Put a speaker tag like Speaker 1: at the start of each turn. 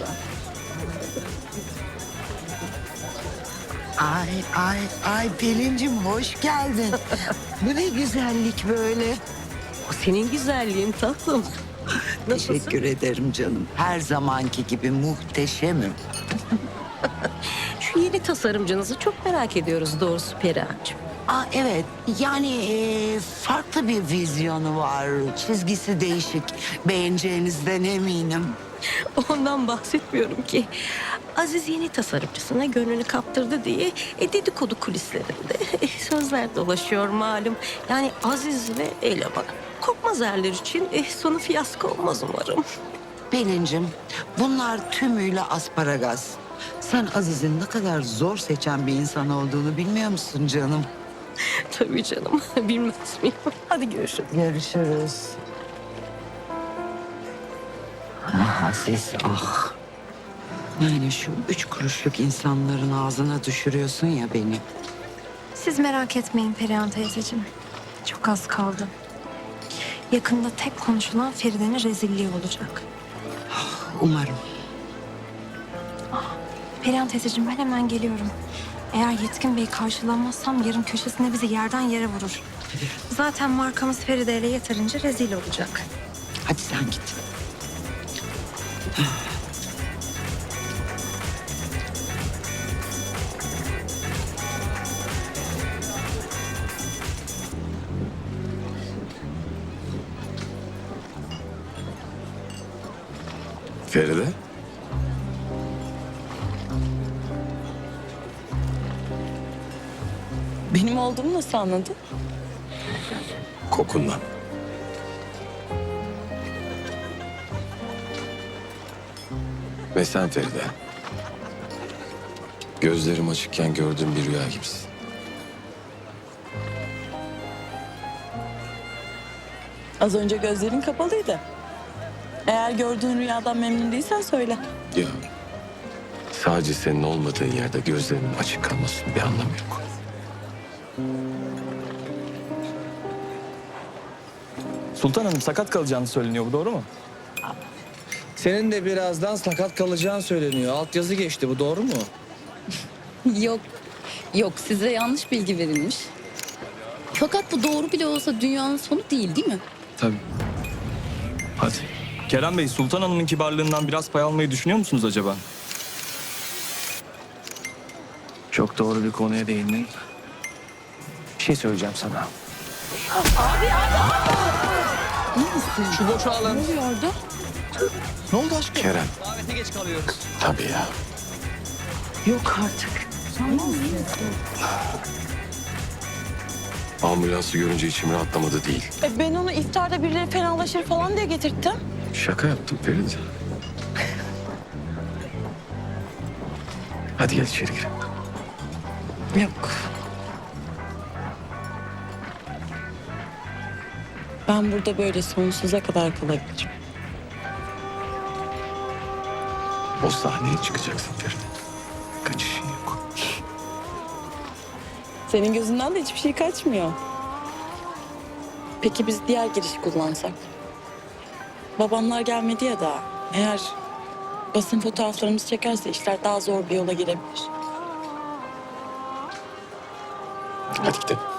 Speaker 1: Ay Pelin'cim hoş geldin. Bu ne güzellik böyle.
Speaker 2: O senin güzelliğin tatlım. Nasılsın?
Speaker 1: Teşekkür ederim canım. Her zamanki gibi muhteşemim.
Speaker 2: Şu yeni tasarımcınızı çok merak ediyoruz doğrusu Perihan'cığım.
Speaker 1: Evet yani farklı bir vizyonu var. Çizgisi değişik. Beğeneceğinizden eminim.
Speaker 2: Ondan bahsetmiyorum ki. Aziz yeni tasarımcısına gönlünü kaptırdı diye dedikodu kulislerinde sözler dolaşıyor malum. Yani Aziz ve elemanı. Korkmaz erler için sonu fiyasko olmaz umarım.
Speaker 1: Pelin'cim bunlar tümüyle asparagas. Sen Aziz'in ne kadar zor seçen bir insan olduğunu bilmiyor musun canım?
Speaker 2: Tabii canım, bilmez miyim? Hadi görüşürüz.
Speaker 1: Görüşürüz. Aziz ah. Yani şu 3 kuruşluk insanların ağzına düşürüyorsun ya beni.
Speaker 3: Siz merak etmeyin Perihan teyzeciğim. Çok az kaldı. Yakında tek konuşulan Feride'nin rezilliği olacak.
Speaker 1: Umarım.
Speaker 3: Perihan teyzeciğim ben hemen geliyorum. Eğer Yetkin Bey'i karşılamazsam yarın köşesinde bizi yerden yere vurur. Zaten markamız Feride ile yeterince rezil olacak.
Speaker 1: Hadi sen git.
Speaker 4: Feride?
Speaker 5: Benim olduğumu nasıl anladın?
Speaker 4: Kokundan. Ve sen Feride. Gözlerim açıkken gördüğüm bir rüya gibisin.
Speaker 5: Az önce gözlerin kapalıydı. Eğer gördüğün rüyadan memnun değilsen söyle.
Speaker 4: Ya sadece senin olmadığın yerde gözlerinin açık kalmasının bir anlamı yok.
Speaker 6: Sultan Hanım sakat kalacağını söyleniyor. Bu doğru mu?
Speaker 7: Senin de birazdan sakat kalacağın söyleniyor. Altyazı geçti. Bu doğru mu?
Speaker 8: Yok, yok size yanlış bilgi verilmiş. Fakat bu doğru bile olsa dünyanın sonu değil mi?
Speaker 6: Tabii. Hadi. Kerem Bey, Sultan Hanım'ın kibarlığından biraz pay almayı düşünüyor musunuz acaba?
Speaker 7: Çok doğru bir konuya değindin. Bir şey söyleyeceğim sana. Şu boşu alın.
Speaker 8: Ne oluyor orada?
Speaker 7: Ne oldu aşkım?
Speaker 4: Kerem.
Speaker 7: Davete geç kalıyoruz.
Speaker 4: Tabii ya.
Speaker 1: Yok artık.
Speaker 4: Ambulansı görünce içim rahatlamadı değil.
Speaker 5: Ben onu iftarda birileri fenalaşır falan diye getirttim.
Speaker 4: Şaka yaptım Feride. Hadi gel içeri girelim.
Speaker 5: Yok. Ben burada böyle sonsuza kadar kalabilirim.
Speaker 4: O sahneye çıkacaksın Feride. Kaçışın yok.
Speaker 5: Senin gözünden de hiçbir şey kaçmıyor. Peki biz diğer girişi kullansak? Babamlar gelmedi ya daha. Eğer basın fotoğraflarımızı çekerse işler daha zor bir yola girebilir.
Speaker 4: Hadi gidelim.